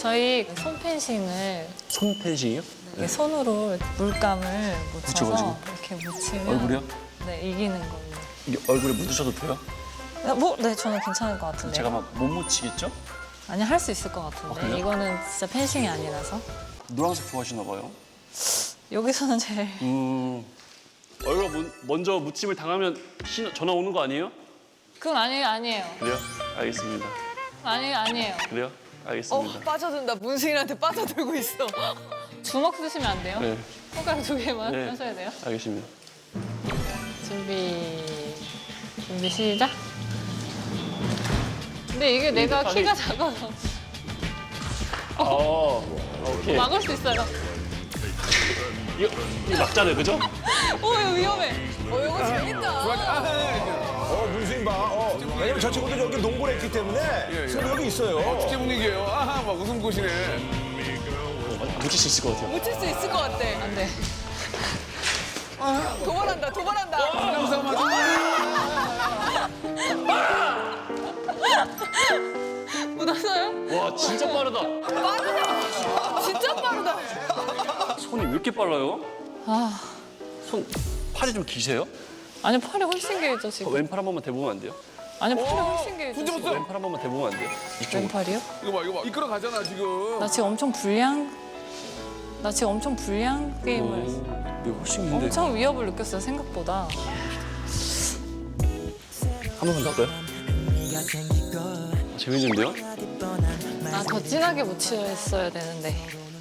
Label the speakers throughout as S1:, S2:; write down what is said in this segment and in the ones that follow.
S1: 저희 손 펜싱을
S2: 손 펜싱이요?
S1: 이렇게 손으로 물감을 묻혀서
S2: 묻혀가지고?
S1: 이렇게 묻히면
S2: 얼굴이요?
S1: 네, 이기는 걸로.
S2: 이게 얼굴에 묻으셔도 돼요?
S1: 네, 저는 괜찮을 것 같은데.
S2: 제가 막 못 묻히겠죠?
S1: 아니, 할 수 있을 것 같은데.
S2: 그래요?
S1: 이거는 진짜 펜싱이 아니라서.
S2: 노란색 좋아하시나 봐요.
S1: 여기서는 제일.
S2: 얼굴 먼저 묻힘을 당하면 전화 오는 거 아니에요?
S1: 그건 아니에요.
S2: 그래요? 알겠습니다.
S1: 아니에요.
S2: 그래요? 알겠습니다.
S3: 빠져든다. 문승인한테 빠져들고 있어.
S1: 주먹 쓰시면 안 돼요?
S2: 네,
S1: 손가락 2개만
S2: 네.
S1: 하셔야 돼요.
S2: 알겠습니다.
S1: 준비 시작. 근데 이게 내가
S2: 빨리.
S1: 키가 작아서
S2: 오케이.
S1: 막을 수 있어요.
S2: 이거 막잖아요, 그죠?
S1: 이거 위험해.
S3: 이거 재밌다.
S4: 문수인 봐. 왜냐면 저 친구도 여기 농구를 했기 때문에 승부욕이 있어요.
S5: 축제 분위기예요. 아하, 막 웃음 꽃이네.
S2: 묻힐 수 있을 것 같아요.
S3: 묻힐 수 있을 것 같아.
S1: 안 돼.
S3: 도발한다. 도발한다.
S5: 항상 맞아.
S1: 묻었어요?
S2: 와, 진짜 빠르다.
S3: 빠르다. 진짜 빠르다.
S2: 손이 왜 이렇게 빨라요?
S1: 아,
S2: 팔이 좀 기세요?
S1: 아니 팔이 훨씬 길죠 지금.
S2: 왼팔 한 번만 대보면 안 돼요?
S1: 아니 팔이 훨씬 길죠.
S5: 손
S1: 지금.
S5: 잡았어.
S2: 왼팔 한 번만 대보면 안 돼요? 이쪽으로.
S1: 왼팔이요?
S5: 이거 봐. 이끌어 가잖아, 지금.
S1: 나 지금 엄청 불리한 게임을
S2: 이거 훨씬 긴데.
S1: 엄청 위협을 느꼈어요 생각보다.
S2: 한 번만 더 할까요? 재밌는데요?
S1: 아, 더 진하게 묻혔어야 되는데.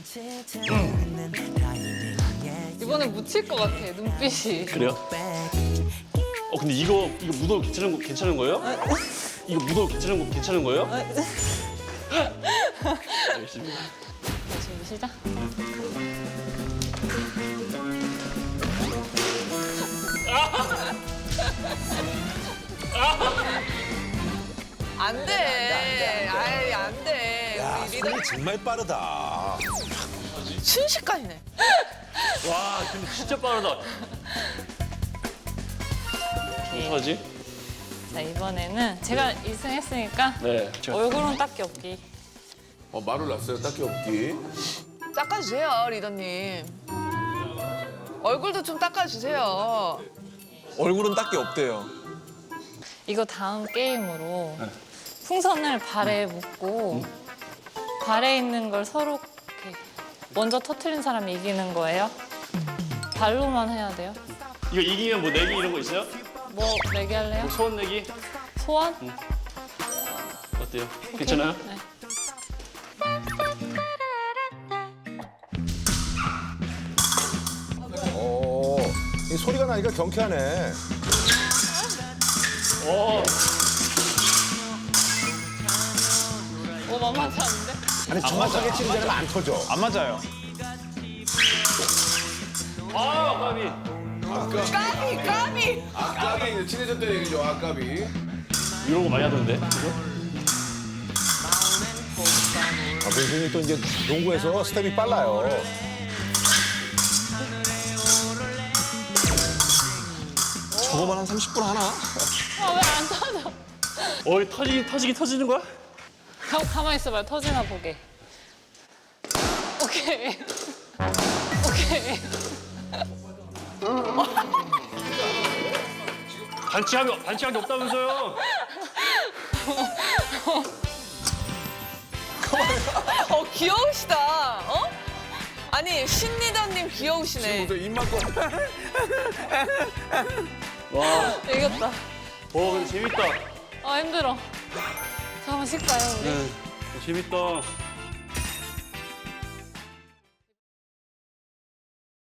S1: 이번에 묻힐 것 같아 눈빛이.
S2: 그래요? 근데 이거 묻어도 괜찮은 거예요? 이거 묻어도 괜찮은 거예요? 알겠습니다.
S1: 준비 시작.
S3: 안 돼. 아이, 안 돼.
S4: 야,
S3: 우리 리더
S4: 손이 정말 빠르다.
S3: 순식간이네.
S2: 와, 근데 진짜 빠르다. 어떡하지?
S1: 자 이번에는 제가 2승 했으니까
S2: 네.
S1: 얼굴은 딱히 없기.
S5: 말을 놨어요. 딱히 없기.
S3: 닦아주세요, 리더님. 얼굴도 좀 닦아주세요.
S6: 얼굴은 딱히 없대요.
S1: 이거 다음 게임으로 풍선을 발에 묶고 발에 있는 걸 서로 이렇게 먼저 터트린 사람이 이기는 거예요. 발로만 해야 돼요.
S2: 이거 이기면 뭐 내기 이런 거 있어요?
S1: 뭐 내기 할래요?
S2: 뭐 소원 내기?
S1: 소원?
S2: 어때요? 괜찮아요?
S1: 네.
S4: 이 소리가 나니까 경쾌하네.
S1: 오 만만치 않은데?
S4: 아니 정확하게 치는 데는 안 터져.
S6: 안 맞아요.
S2: 아, 까비.
S3: 까비!
S5: 아까비 이제 친해졌다는 얘기죠. 아까비.
S2: 이런 거 많이 하던데. 그죠?
S4: 문수인이 또 이제 농구에서 스텝이 빨라요.
S6: 저거만 한 30분 하나?
S1: 아 왜 안 터져?
S2: 터지는 거야?
S1: 가만히 있어봐요. 터지나 보게. 오케이. 오케이.
S2: 반칙한 게 없다면서요?
S3: 귀여우시다. 아니, 신리더님 귀여우시네.
S5: 지금부터 입만 꼭.
S2: 와,
S1: 이겼다.
S2: 근데 재밌다.
S1: 아 힘들어. 잠깐만 쉴까요 우리?
S2: 재밌다.